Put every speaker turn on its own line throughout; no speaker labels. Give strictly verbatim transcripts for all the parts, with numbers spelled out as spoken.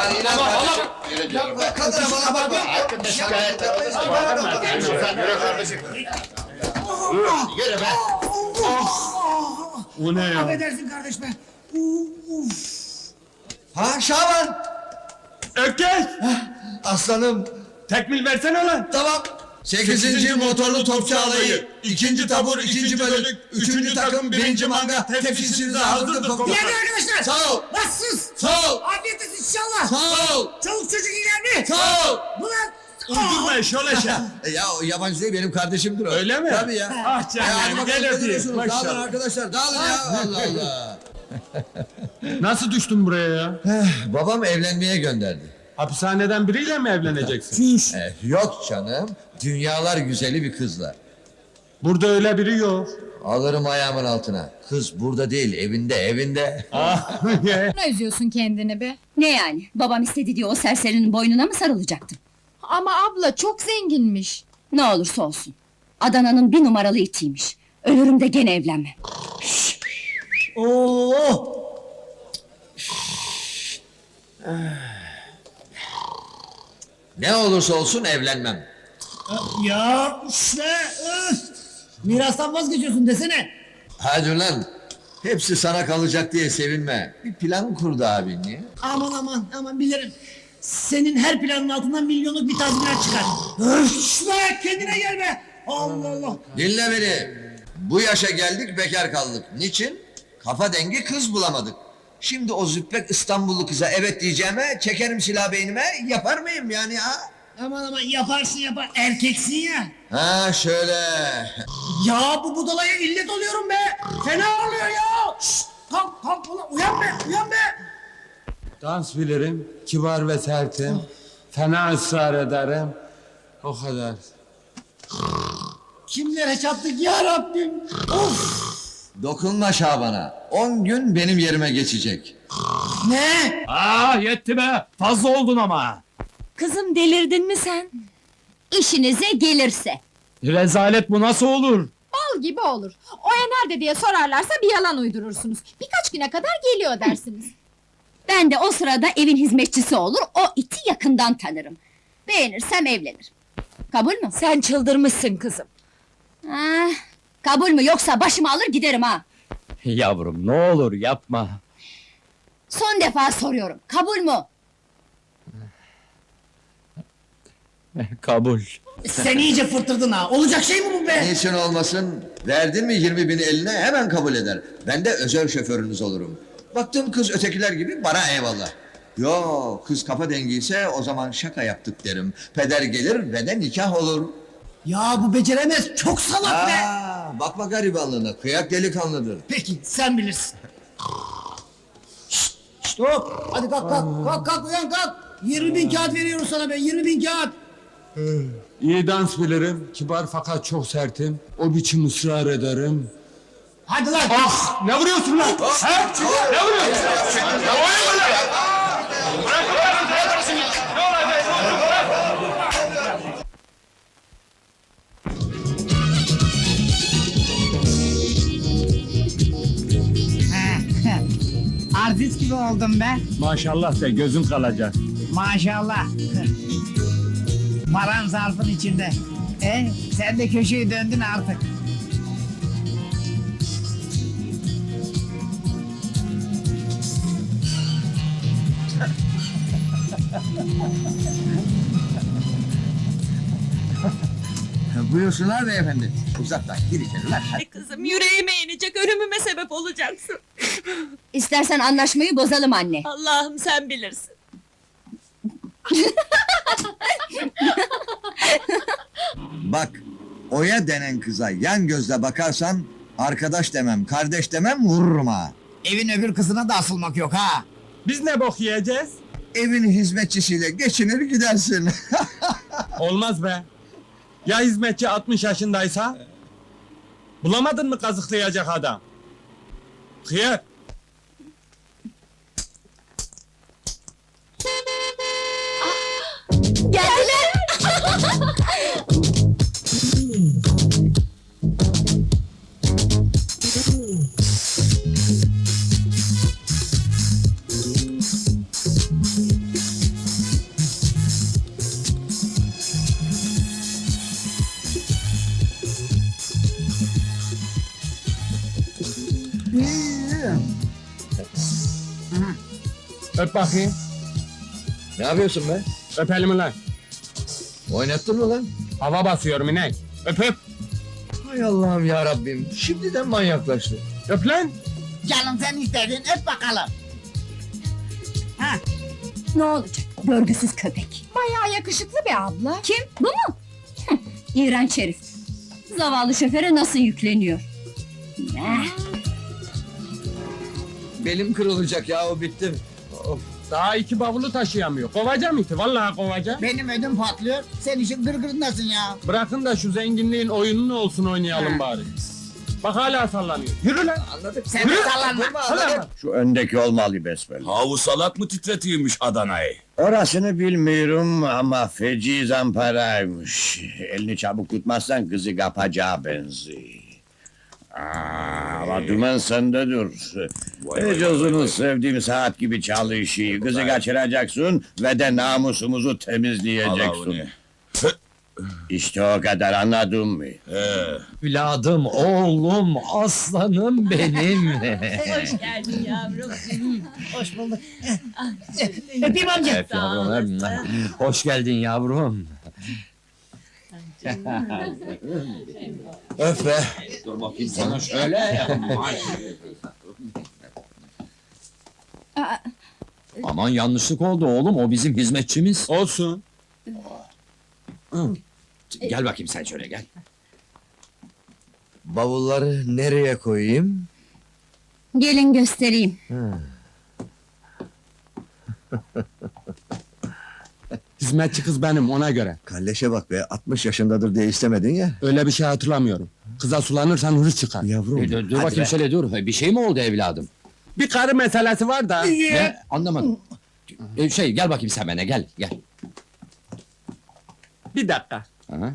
inan kardeşim. Yürü diyorum ben.
Kadına bana bak.
Şikayet etmeyiz. Yürü kardeşim. Yürü be.
O ne ya?
Affedersin kardeş be. Uf. Ha Şaban.
Ökkeş!
Aslanım.
Tekmil versene lan!
Tamam. Sekizinci motorlu topçu alayı. İkinci tabur, ikinci bölük. Üçüncü takım, birinci manga. Tepsisinize hazırdır komutanım.
Geldi arkadaşlar.
Sağ ol.
Nasılsınız?
Sağ ol.
Afiyet olsun inşallah.
Sağ ol.
Çoluk çocuk iyiler mi?
Sağ ol.
Ulan.
Uydurma şöyle
E Ya o yabancı değil benim kardeşimdir o.
Öyle mi?
Tabii ya.
Ah
Ya hadi
canım,
bakalım,
gel
ne
öpeyim.
diyorsunuz? Dağılın
Maşallah.
arkadaşlar dağılın ya. Allah Allah.
Nasıl düştün buraya ya?
Babam evlenmeye gönderdi.
Hapishaneden biriyle mi evleneceksin?
Eh, yok canım. Dünyalar güzeli bir kızla.
Burada öyle biri yok.
Alırım ayağımın altına. Kız burada değil evinde evinde.
Ah,
Ne üzüyorsun kendini be?
Ne yani? Babam istedi diye o serserinin boynuna mı sarılacaktım?
Ama abla çok zenginmiş.
Ne olursa olsun. Adana'nın bir numaralı itiymiş. Ölürüm de gene evlenmem.
Oo! Ne olursa olsun evlenmem.
Ya işte. Öf. Mirastan vazgeçiyorsun desene.
Hadi lan. Hepsi sana kalacak diye sevinme. Bir plan kurdu abin ya.
Aman aman aman bilirim. Senin her planın altından milyonluk bir tazminat çıkar. Öf işte kendine gel be. Allah Allah.
Dinle beni. Bu yaşa geldik bekar kaldık. Niçin? Kafa dengi kız bulamadık. Şimdi o züppek İstanbullu kıza evet diyeceğime çekerim silah beynime yapar mıyım yani ha?
Aman aman yaparsın yapar. Erkeksin ya.
Ha şöyle.
Ya bu budalaya illet oluyorum be. Fena oluyor ya. Şşt, kalk kalk ulan uyan be uyan be.
dans bilirim, kibar ve sertim. Fena ısrar ederim. O kadar.
Kimlere çattık ya Rabbim. Of.
Dokunma Şaban'a. On gün benim yerime geçecek.
Ne?
Aa yetti be. Fazla oldun ama.
Kızım delirdin mi sen? İşinize gelirse.
Rezalet bu nasıl olur?
Bal gibi olur. Oya nerede diye sorarlarsa bir yalan uydurursunuz. Birkaç güne kadar geliyor dersiniz.
Ben de o sırada evin hizmetçisi olur, o iti yakından tanırım. Beğenirsem evlenirim. Kabul mü?
Sen çıldırmışsın kızım.
Ah, kabul mü yoksa başımı alır giderim ha.
Yavrum ne olur yapma.
Son defa soruyorum, kabul mü?
Kabul.
Sen iyice fırtırdın ha. Olacak şey mi bu be?
Niçin olmasın? Verdin mi yirmi bini eline hemen kabul eder. Ben de özel şoförünüz olurum. Baktım kız ötekiler gibi bana eyvallah. Yo kız kafa dengiyse o zaman şaka yaptık derim. Peder gelir ve de nikah olur.
Ya bu beceremez. Çok salak be.
Aa, bakma garibanlığına kıyak delikanlıdır.
Peki sen bilirsin. Şşt, şşt hop. Hadi kalk kalk. Kalk kalk uyan kalk. Yirmi bin kağıt veriyoruz sana be. Yirmi bin kağıt.
İyi dans bilirim, kibar fakat çok sertim. O biçim ısrar ederim.
Hadi lan.
Ah! Ne vuruyorsun lan? Ha? Ne vuruyorsun? Ya oyun mu lan?
Artist gibi oldum be.
Maşallah de gözün kalacak.
Maşallah. Paran zarfın içinde. E, sen de köşeyi döndün artık.
Buyursunlar beyefendi. Uzaktan gir içeri lan. Hadi.
Kızım yüreğime inecek, ölümüme sebep olacaksın. İstersen anlaşmayı bozalım anne.
Allah'ım sen bilirsin.
Bak Oya denen kıza yan gözle bakarsan arkadaş demem kardeş demem vururum ha.
Evin öbür kızına da asılmak yok ha.
Biz ne bok yiyeceğiz?
Evin hizmetçisiyle geçinir gidersin.
Olmaz be. Ya hizmetçi altmış yaşındaysa? Bulamadın mı kazıklayacak adam? Hıyar.
Geldiler!
Öp bakayım.
Ne yapıyorsun be?
Öp elimi lan.
Oynattın mı lan?
Hava basıyorum inek. Öp öp.
Hay Allah'ım ya Rabbim. Şimdiden manyaklaştı.
Öp lan.
Canım sen istedin öp bakalım.
Ne olacak? Görgüsüz köpek.
Bayağı yakışıklı bir abla.
Kim? Bu mu? Hıh, İğrenç herif. Zavallı şoföre nasıl yükleniyor? Eh,
Belim kırılacak ya o bittim. Of.
Daha iki bavulu taşıyamıyor. Kovacağım iti. Vallahi kovacağım.
Benim ödüm patlıyor. Sen işin gırgırındasın ya.
Bırakın da şu zenginliğin oyununu olsun oynayalım bari. Bak hala sallanıyor. Yürü lan.
Anladık.
Sen de sallanma.
Sallanma.
Şu öndeki olmalı besbelli.
Havu salak mı titretiyormuş Adana'yı?
Orasını bilmiyorum ama feci zamparaymış. Elini çabuk tutmazsan kızı kapacağı benziyor. Aa, ama dümen sende dur. Ecozunu sevdiğim saat gibi çalışıyor. Kızı kaçıracaksın ve de namusumuzu
Allah
temizleyeceksin.
onu.
İşte o kadar anladın mı?
He.
Evladım, oğlum, aslanım benim.
Hoş geldin yavrum.
Hoş bulduk. Öpeyim amca.
Öp yavrum, öp. Hoş geldin yavrum.
Öf be.
Dur bakayım sana şöyle.
Aman yanlışlık oldu oğlum, o bizim hizmetçimiz.
Olsun.
Gel bakayım sen şöyle gel.
Bavulları nereye koyayım?
gelin göstereyim.
Hizmetçi kız benim ona göre.
Kalleşe bak be. altmış yaşındadır diye istemedin ya.
Öyle bir şey hatırlamıyorum. Kıza sulanırsan hırs çıkar.
Yavrum.
E, dur dur
hadi
bakayım
be.
şöyle dur. Bir şey mi oldu evladım?
Bir karı meselesi var da.
Ne? Anlamadım. E, şey gel bakayım sen bana gel gel.
Bir dakika.
Aha.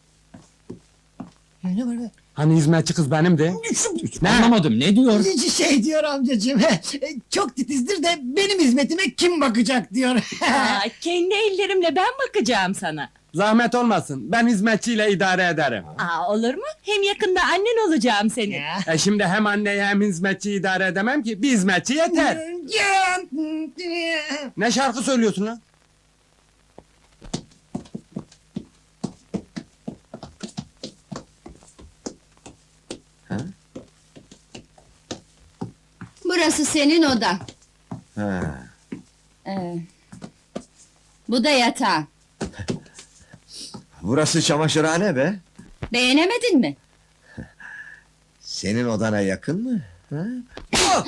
Ne var be?
Hani hizmetçi kız benimdi. Ne?
Anlamadım ne diyor?
Şey diyor amcacığım. Çok titizdir de benim hizmetime kim bakacak diyor.
Aa, kendi ellerimle ben bakacağım sana.
Zahmet olmasın. Ben hizmetçiyle idare ederim.
Aa, olur mu? Hem yakında annen olacağım senin.
Ya.
E şimdi hem anneyi hem hizmetçiyi idare edemem ki. Bir hizmetçi yeter. Ne şarkı söylüyorsun lan?
Burası senin odan.
Ha.
Ee, bu da yatağın.
Burası çamaşırhane be.
Beğenemedin mi?
Senin odana yakın mı? Ha? Ah!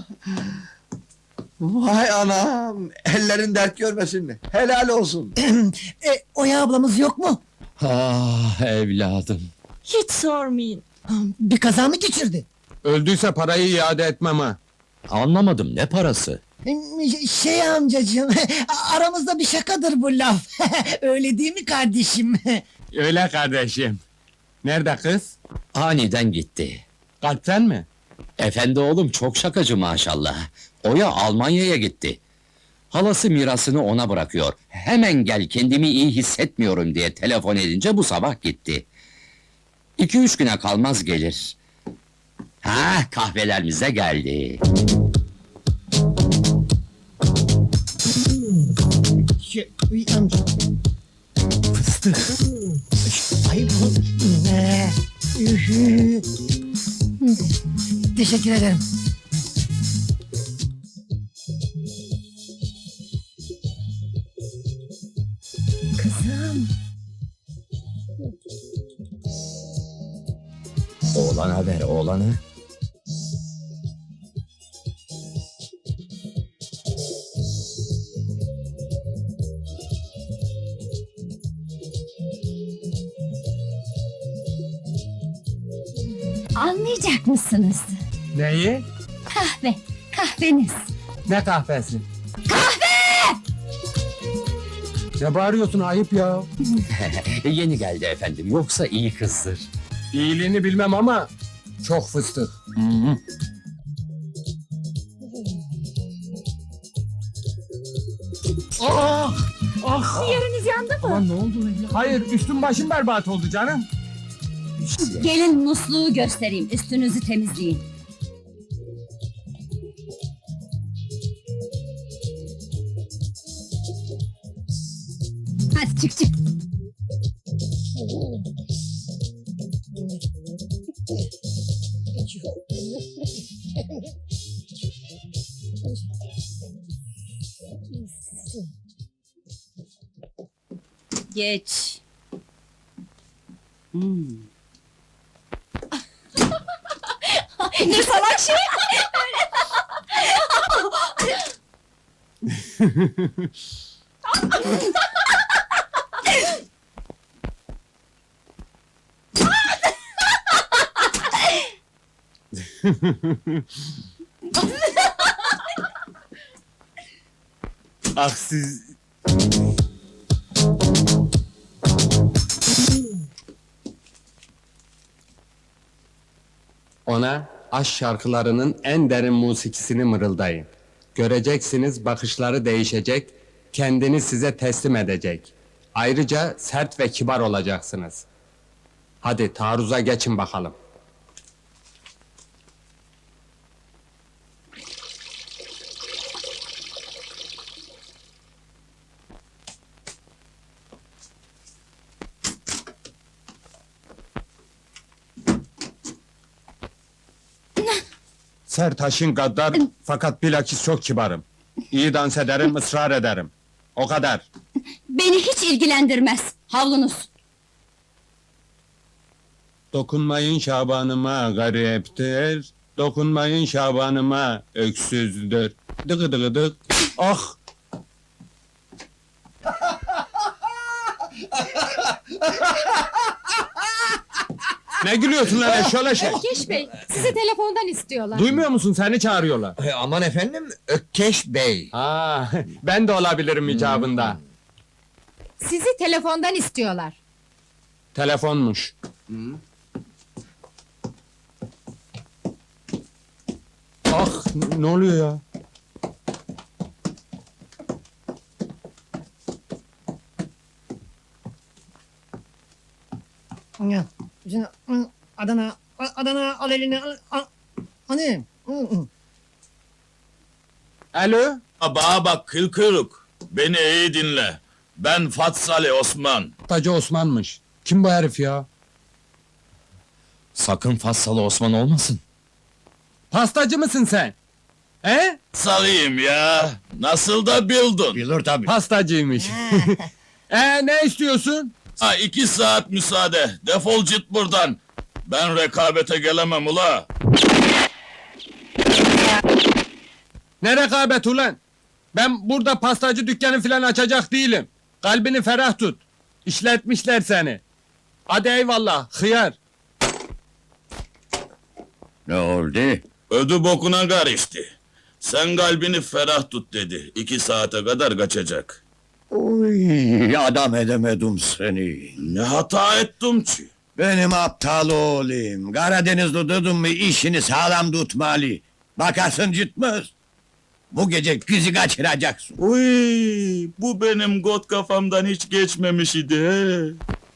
Vay anam! Ellerin dert görmesin mi? Helal olsun.
e, Oya ablamız yok mu?
Ah evladım.
Hiç sormayın.
Bir kaza mı geçirdi?
Öldüyse parayı iade etmem ha.
Anlamadım ne parası?
Şey amcacığım, aramızda bir şakadır bu laf. Öyle değil mi kardeşim?
Öyle kardeşim. Nerede kız?
Aniden gitti.
Kalpten mi?
Efendi oğlum çok şakacı maşallah. Oya Almanya'ya gitti. Halası mirasını ona bırakıyor. Hemen gel kendimi iyi hissetmiyorum diye telefon edince bu sabah gitti. İki üç güne kalmaz gelir. Ha kahvelerimize geldi.
Şey, uy, amca. Fıstık. Ay bu ne? Ühü. Teşekkür ederim.
Kızım.
Oğlana ver oğlana.
Almayacak mısınız?
Neyi?
Kahve, kahveniz.
Ne kahvesi? Kahve! Ne bağırıyorsun ayıp ya.
Yeni geldi efendim yoksa iyi kızdır.
İyiliğini bilmem ama çok fıstık. Ah! Ah!
Yeriniz yandı mı?
Aman ne oldu evlat? Hayır üstüm başım berbat oldu canım.
Gelin musluğu göstereyim, üstünüzü temizleyin. Geç. Hmm. Ne salak şey!
Ah siz... Ona aşk şarkılarının en derin musikisini mırıldayın. Göreceksiniz bakışları değişecek, kendini size teslim edecek. Ayrıca sert ve kibar olacaksınız. Hadi taarruza geçin bakalım. Sertaş'ın gaddar fakat bilakis çok kibarım. İyi dans ederim, ısrar ederim. O kadar.
Beni hiç ilgilendirmez. Havlunuz.
Dokunmayın Şabanıma gariptir. Dokunmayın Şabanıma öksüzdür. Dıgı dıgı dık. Ah! Ne gülüyorsun lan şöyle şey?
Ökkeş Bey, sizi telefondan istiyorlar.
Duymuyor musun seni çağırıyorlar.
E, aman efendim, Ökkeş Bey.
Ha, ben de olabilirim icabında.
Sizi telefondan istiyorlar.
Telefonmuş. Ah, n- ne oluyor ya?
Ya, şimdi, hı, Adana, A- Adana al elini al. al. Hani? Hı, hı.
Alo?
Bana bak kıl kuyruk. Beni iyi dinle. Ben Fatsali Osman.
Tacı Osman'mış. Kim bu herif ya?
Sakın Fatsalı Osman olmasın.
Pastacı mısın sen? He?
Salıyım ya. Nasıl da bildin.
Bilir tabii.
Pastacıymış. e ne istiyorsun?
Ha iki saat müsaade. Defol git buradan. Ben rekabete gelemem ula.
Ne rekabet ulan? Ben burada pastacı dükkanı filan açacak değilim. Kalbini ferah tut. İşletmişler seni. Hadi eyvallah, hıyar.
Ne oldu?
Ödü bokuna karıştı. Sen kalbini ferah tut dedi. İki saate kadar kaçacak.
Uy, adam edemedim seni.
Ne hata ettim ki?
Benim aptal oğlum. Karadenizli dedim mi işini sağlam tutmalı. Bakarsın gitmez. Bu gece kızı kaçıracaksın.
Uy, bu benim got kafamdan hiç geçmemiş idi. He.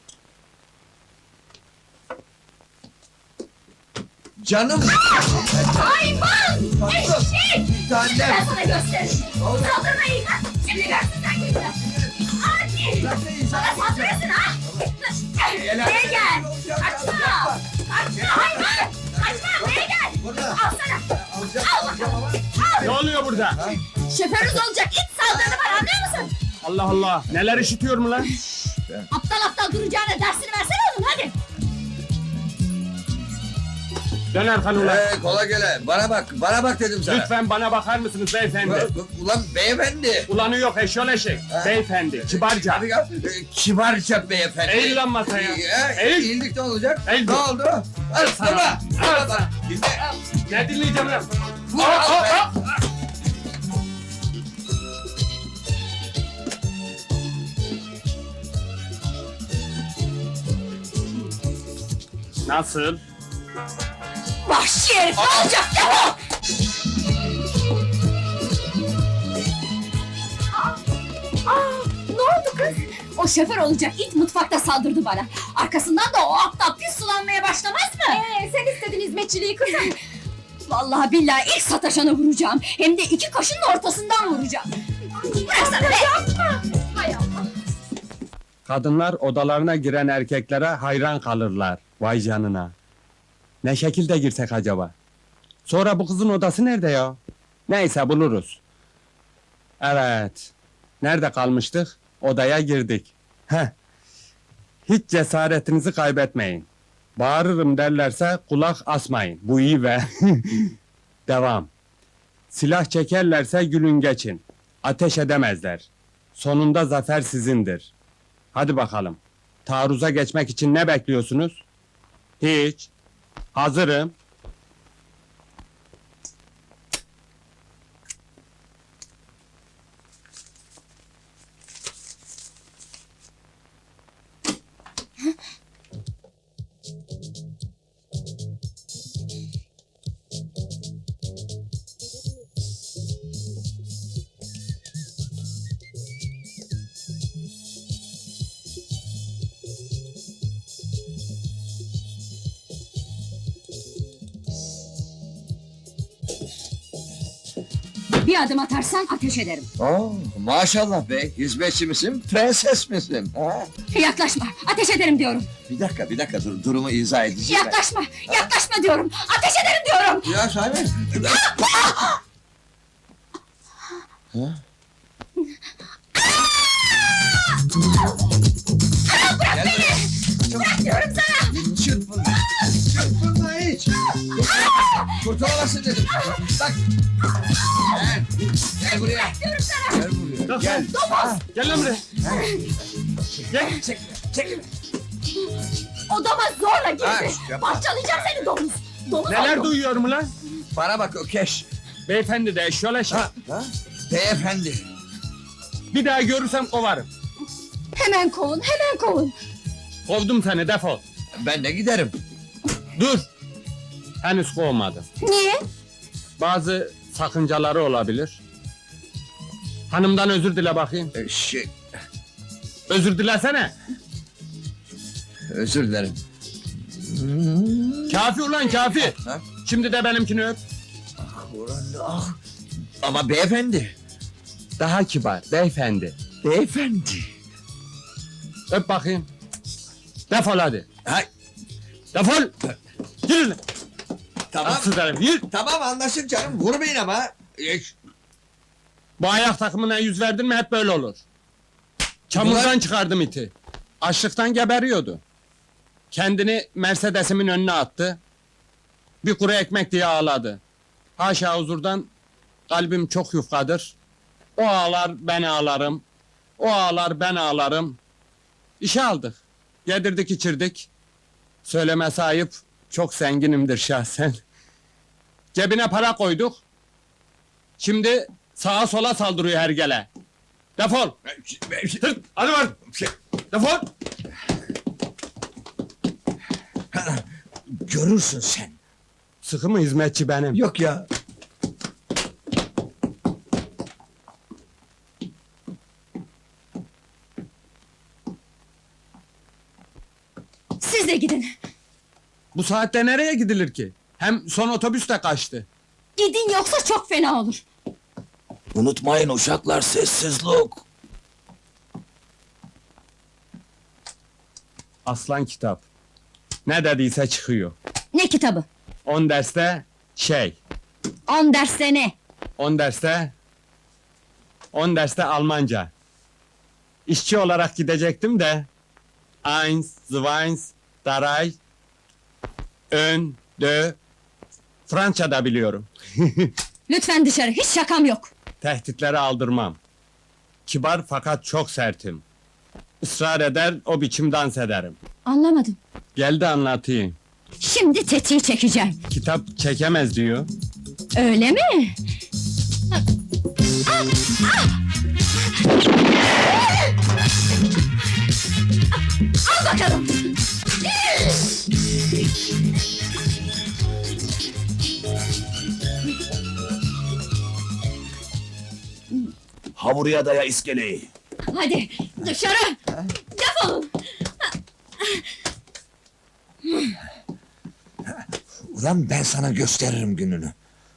Canım!
Hayvan! Eşek!
Tanem!
Ben sana gösteririm. Saldırmayın! Şimdi görsün sen gününü. Hadi! Bana saldırırsın ha! Buraya gel! Kaçma! Kaçma hayvan! Kaçma buraya gel! Al sana! Al bakalım!
Ne
Al!
oluyor burada?
Şoförünüz olacak it saldırdı bana anlıyor musun?
Allah Allah, neler işitiyorum lan?
Aptal aptal duracağına dersini versene oğlum hadi!
Dön arkanı ulan.
Ee, kola gele. Bana bak, bana bak dedim sana.
Lütfen bana bakar mısınız beyefendi?
Ulan beyefendi.
Ulanı yok eşyol eşek. Beyefendi, kibarca.
Hadi gel. Ee, kibarca beyefendi.
Eğil lan masaya.
Ee,
Eğil.
Eğildik ne olacak?
Eğil.
Ne oldu? Al sana.
Al
Al
sana.
Dinle.
Ne dinleyeceğim lan?
Vur,
Aa,
al
aa,
be.
aa! Nasıl?
Vahşi herif ne olacak defol! Aa, ne oldu kız? O şoför olacak it mutfakta saldırdı bana. Arkasından da o aptal pis sulanmaya başlamaz mı?
Ee, sen istedin hizmetçiliği kızım.
Vallahi billahi ilk sataşanı vuracağım. Hem de iki kaşının ortasından vuracağım. Bıraksana be!
Yapma! Hay Allah!
Kadınlar odalarına giren erkeklere hayran kalırlar. Vay canına. Ne şekilde girsek acaba? Sonra bu kızın odası nerede ya? Neyse buluruz. Evet. Nerede kalmıştık? Odaya girdik. Heh. Hiç cesaretinizi kaybetmeyin. Bağırırım derlerse kulak asmayın. Bu iyi ve... Devam. Silah çekerlerse gülün geçin. Ateş edemezler. Sonunda zafer sizindir. Hadi bakalım. Taarruza geçmek için ne bekliyorsunuz? Hiç. Hazırım.
Bir adım atarsan ateş ederim.
Oo, maşallah bey, hizmetçi misin, prenses misin? Ha?
Yaklaşma, ateş ederim diyorum.
Bir dakika, bir dakika, dur, durumu izah edeceğim. ben.
Yaklaşma, yaklaşma diyorum. Ateş ederim diyorum.
Ya Sahi. Gel buraya.
Bırak diyorum sana.
Çırpınma. Çırpınma hiç. Kurtulamazsın dedim. Bak. Gel. Gel buraya.
Diyorum sana.
Gel buraya. Gel.
Gel lan buraya.
Gel. Çekme. Çekme.
Odama zorla
Ha,
girdi.
yapma.
Parçalayacağım seni domuz. Domuz
Neler
oldum.
duyuyorum lan?
Bana bak Ökeş.
Beyefendi de şöyle şey.
Ha? Ha? Beyefendi.
Bir daha görürsem kovarım.
Hemen kovun, hemen kovun.
Kovdum seni, defol.
Ben de giderim.
Dur. Henüz kovmadım.
Niye?
Bazı sakıncaları olabilir. Hanımdan özür dile bakayım.
Ee, Şey,
Özür dilesene.
özür dilerim.
Kafi ulan kafi.
Ha?
Şimdi de benimkini öp.
Ulan, ah. Ama beyefendi.
Daha kibar, beyefendi.
Beyefendi.
Öp bakayım. Defol hadi.
Hay,
Defol. Yürü lan.
tamam.
Atsız herif, yürü.
Tamam anlaştık canım. Vurmayın ama. Ee,
Bu ayak takımına yüz verdin mi hep böyle olur. Çamurdan
Ulan-
çıkardım iti. Açlıktan geberiyordu. Kendini Mercedes'imin önüne attı. Bir kuru ekmek diye ağladı. Haşa huzurdan kalbim çok yufkadır. O ağlar ben ağlarım. O ağlar ben ağlarım. İşe aldık. Yedirdik içirdik. Söylemesi ayıp. Çok zenginimdir şahsen. Cebine para koyduk. Şimdi sağa sola saldırıyor hergele. Defol! Tırt! Hadi var! Defol!
Görürsün sen.
Sıkı mı hizmetçi benim?
Yok ya.
Siz de gidin.
Bu saatte nereye gidilir ki? Hem son otobüs de kaçtı.
Gidin yoksa çok fena olur.
Unutmayın uşaklar, sessizlik.
Aslan kitap. Ne dediyse çıkıyor.
Ne kitabı?
On derste şey.
On derste ne?
On derste... On derste Almanca. İşçi olarak gidecektim de... Eins, zweins, drei... Ön, dö... Fransa da biliyorum.
Lütfen dışarı, hiç şakam yok.
Tehditleri aldırmam. Kibar fakat çok sertim. Israr eder, o biçim dans ederim.
Anlamadım.
Gel de anlatayım.
Şimdi tetiği çekeceğim.
Kitap çekemez diyor.
Öyle mi? Al bakalım.
Ha buraya daya iskeleyi.
Hadi dışarı. Defolun.
Ulan ben sana gösteririm gününü.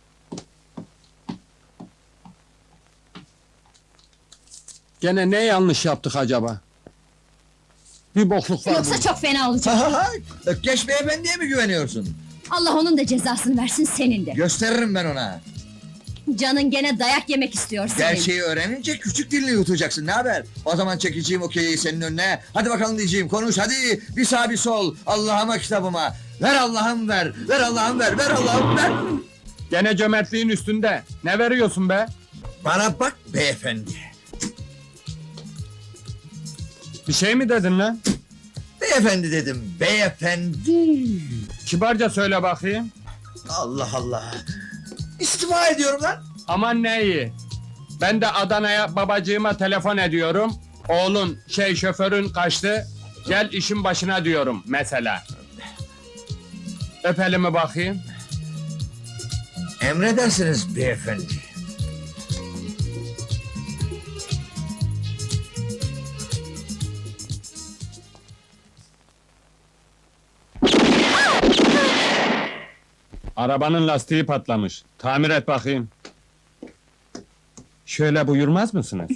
Gene ne yanlış yaptık acaba? Bir bokluk var
Yoksa
burada.
çok fena olacak.
Ökkeş beyefendiye mi güveniyorsun?
Allah onun da cezasını versin senin de.
Gösteririm ben ona.
Canın gene dayak yemek istiyor senin.
Gerçeği öğrenince küçük dilini yutacaksın. Ne haber? O zaman çekeceğim okeyi senin önüne. Hadi bakalım diyeceğim. Konuş hadi. Bir sağ bir sol. Allah'ıma kitabıma. Ver Allah'ım ver. Ver Allah'ım ver. Ver Allah'ım ver.
Gene cömertliğin üstünde. Ne veriyorsun be?
Bana bak beyefendi.
Bir şey mi dedin lan?
Beyefendi dedim. Beyefendi.
Kibarca söyle bakayım.
Allah Allah. İstifa ediyorum lan.
Aman ne iyi. Ben de Adana'ya babacığıma telefon ediyorum. Oğlun şey şoförün kaçtı. Gel işin başına diyorum mesela. Öp elimi bakayım.
Emredersiniz beyefendi.
Arabanın lastiği patlamış. Tamir et bakayım. Şöyle buyurmaz mısınız?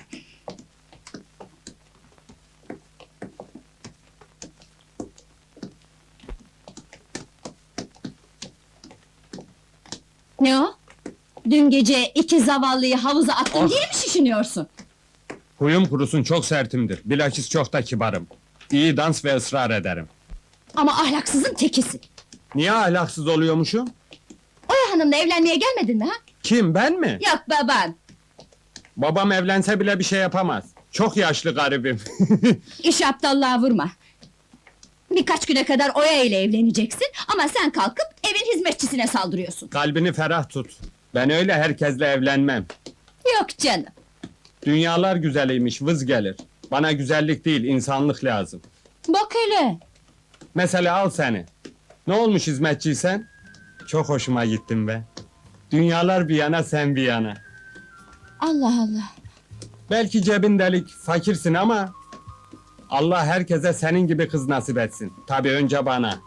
Ne o? Dün gece iki zavallıyı havuza attın
Ah.
diye mi şişiniyorsun?
Huyum kurusun çok sertimdir. Bilakis çok da kibarım. İyi dans ve ısrar ederim.
Ama ahlaksızın tekisin.
Niye ahlaksız oluyormuşum?
Oya Hanım'la evlenmeye gelmedin mi ha?
Kim, ben mi?
Yok baban.
Babam evlense bile bir şey yapamaz. Çok yaşlı garibim.
İş aptallığa vurma. Birkaç güne kadar Oya ile evleneceksin ama sen kalkıp evin hizmetçisine saldırıyorsun.
Kalbini ferah tut. Ben öyle herkesle evlenmem.
Yok canım.
Dünyalar güzeliymiş, vız gelir. Bana güzellik değil, insanlık lazım.
Bak hele.
Mesela al seni. Ne olmuş hizmetçiysen? Çok hoşuma gittin be. Dünyalar bir yana, sen bir yana.
Allah Allah.
Belki cebin delik, fakirsin ama... Allah herkese senin gibi kız nasip etsin. Tabii önce bana.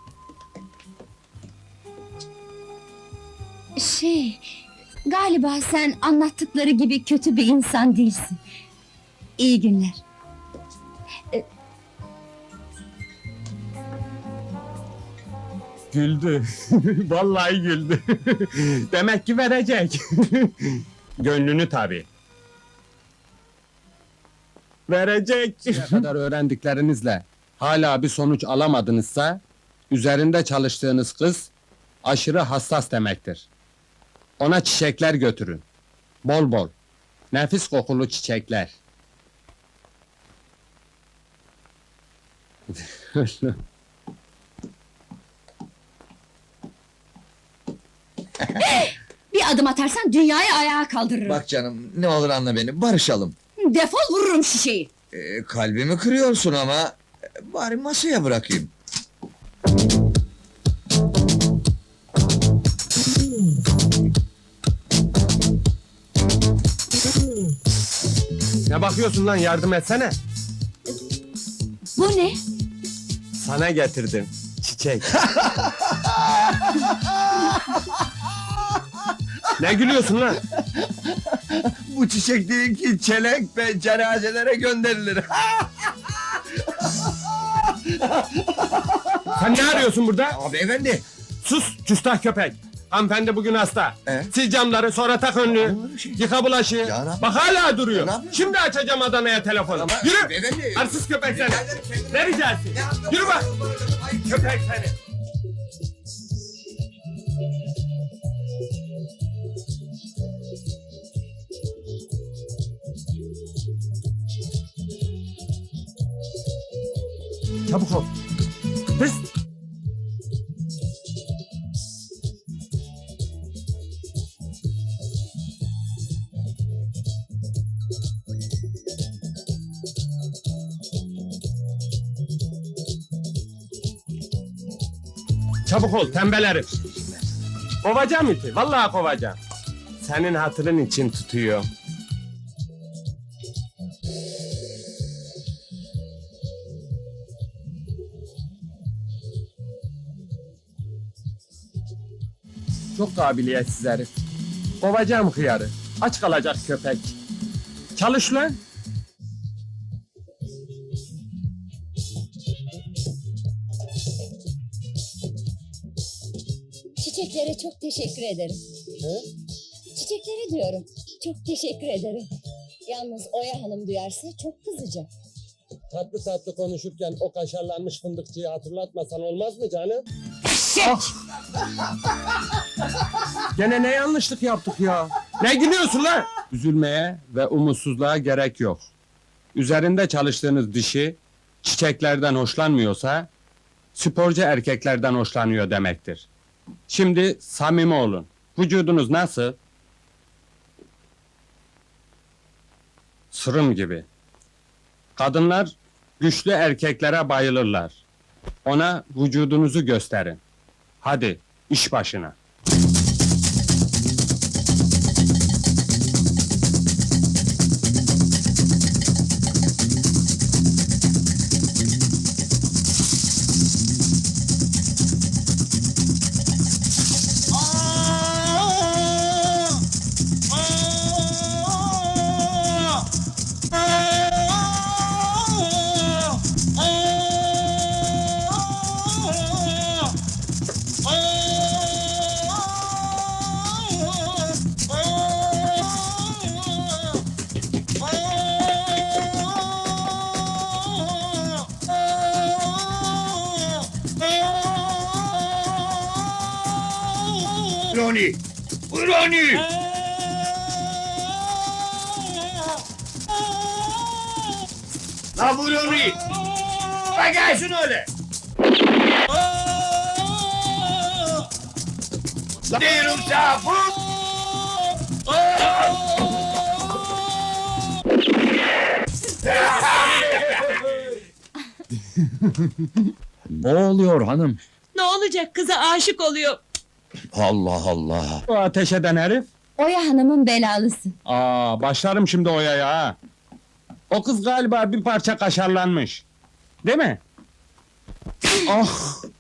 Şey... Galiba sen anlattıkları gibi kötü bir insan değilsin. İyi günler.
Güldü. Vallahi güldü. Demek ki verecek. Gönlünü tabii. Verecek. Ne kadar öğrendiklerinizle hala bir sonuç alamadınızsa... ...üzerinde çalıştığınız kız... ...aşırı hassas demektir. Ona çiçekler götürün. Bol bol. Nefis kokulu çiçekler.
Bir adım atarsan dünyayı ayağa kaldırırım.
Bak canım ne olur anla beni. Barışalım.
Defol vururum şişeyi.
Ee, kalbimi kırıyorsun ama... e, Bari masaya bırakayım.
Ne bakıyorsun lan, yardım etsene.
Bu ne?
Sana getirdim. Çiçek. Ne gülüyorsun lan?
Bu çiçek değil ki çelenk ve cenazelere gönderilir.
Sen ne arıyorsun burada?
Ama beyefendi.
Sus, küstah köpek! Hanımefendi bugün hasta.
E?
Sil camları, sonra tak önlüğü.
Olur mu şey?
Yıka bulaşığı.
Ya ne yapayım?
Bak hala duruyor.
Ya ne yapıyorsun?
Şimdi açacağım Adana'ya telefonu.
Ama
Yürü!
beyefendi.
Arsız köpek seni!
Rica ederim, kendine-
Ne ricası? Yürü bak! Köpek seni! Çabuk ol! Hız! Çabuk ol, tembel herif! Kovacağım iti, vallahi kovacağım. Senin hatırın için tutuyor. Çok kabiliyetsiz herif. Kovacağım hıyarı. Aç kalacak köpek. Çalış lan!
Çiçeklere çok teşekkür ederim. Çiçekleri diyorum. Çok teşekkür ederim. Yalnız Oya Hanım duyarsa çok kızacak.
Tatlı tatlı konuşurken o kaşarlanmış fındıkçıyı hatırlatmasan olmaz mı canım? Gene ne yanlışlık yaptık ya? Ne gülüyorsun lan? Üzülmeye ve umutsuzluğa gerek yok. Üzerinde çalıştığınız dişi çiçeklerden hoşlanmıyorsa sporcu erkeklerden hoşlanıyor demektir. Şimdi samimi olun. Vücudunuz nasıl? Sırım gibi. Kadınlar güçlü erkeklere bayılırlar. Ona vücudunuzu gösterin. Hadi iş başına.
Roni! Roni! La bu Roni! Bak gelsin öyle! La diyorum sana bu!
Ne oluyor hanım?
Ne olacak, kıza aşık oluyor.
Allah Allah.
O ateş eden herif.
Oya Hanım'ın belalısı.
Aa, başlarım şimdi Oya'ya ha. O kız galiba bir parça kaşarlanmış. Değil mi? Ah!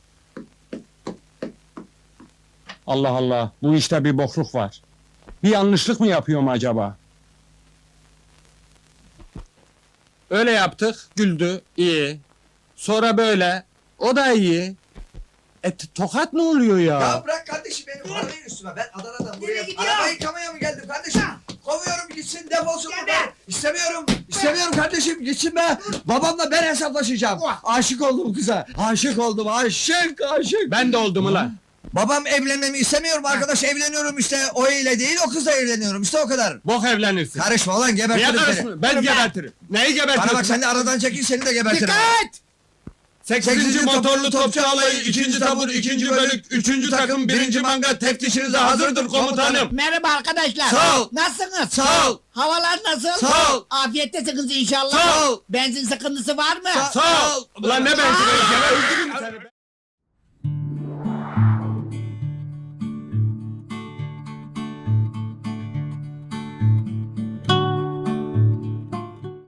Allah Allah, bu işte bir bokluk var. Bir yanlışlık mı yapıyorum acaba? Öyle yaptık, güldü, iyi. Sonra böyle, o da iyi. E t- tokat ne oluyor ya?
Ya bırak kardeşim beni arabayın üstüme. Ben Adana'dan buraya araba yıkamaya mı geldim kardeşim? Kovuyorum gitsin defolsun buradan. İstemiyorum. İstemiyorum kardeşim gitsin be. Babamla ben hesaplaşacağım. Aşık oldum kıza. Aşık oldum aşık aşık.
Ben de oldum ulan.
Babam evlenmemi istemiyorum arkadaş evleniyorum işte o ile değil o kızla evleniyorum işte o kadar.
Bok evlenirsin.
Karışma ulan
Niye
gebertirim seni.
karışmıyorsun? Ben gebertirim. Neyi gebertirim?
Bana bak sen de aradan çekil seni de gebertirim.
Dikkat! Sekizinci motorlu topçu alayı, ikinci tabur, ikinci bölük, üçüncü takım, birinci manga teftişinize hazırdır komutanım.
Merhaba arkadaşlar.
Sağ ol.
Nasılsınız?
Sağ ol.
Havalar nasıl?
Sağ ol.
Afiyettesiniz inşallah.
Sağ ol.
Benzin sıkıntısı var mı?
Sağ ol.
Ulan ne ben seni, gebertirim seni be.